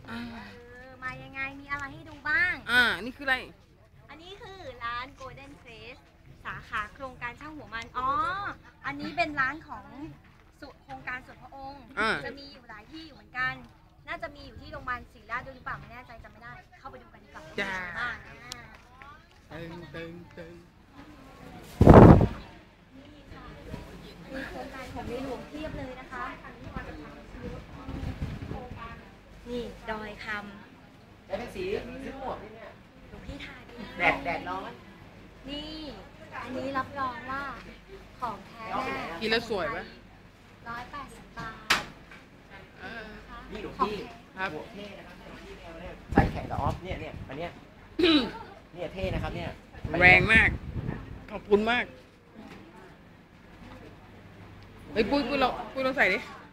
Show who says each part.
Speaker 1: มายังไงมีอะไรให้ดูบ้าง
Speaker 2: นี่คืออะไร
Speaker 1: อันนี้คือร้าน Golden Face สาขาโครงการช่างหัวมันอันนี้เป็นร้านของโครงการส่วนพระองค์จะมีอยู่หลายที่อยู่เหมือนกันน่าจะมีอยู่ที่โรงพยาบาลศรีราชด้วยหรือเปล่าไม่แน่ใจจำไม่ได้เข้าไปดูกันดีกว่าว่ามีบ้าง
Speaker 2: ตึง
Speaker 1: มีโครงการของในหลวงเพียบเลยนะคะนี่ดอยคำ
Speaker 3: ได้เป็นสีซื้อหมวกนี่เนี่ย
Speaker 1: หลวงพี่ทาย
Speaker 3: แดดร้อน
Speaker 1: นี่อันนี้รับรองว่าของแท้แน่
Speaker 2: กินแล้วสวยปะ
Speaker 1: 180 บาท
Speaker 3: นี่หลวงพี่หมวกเท่นะครับใส่แขนกับออฟเนี่ยอันเนี้ยเนี่ยเท่นะครับเนี่ย
Speaker 2: แรงมากขอบคุณมากเฮ้ยปุ้ยลองใส่ดิ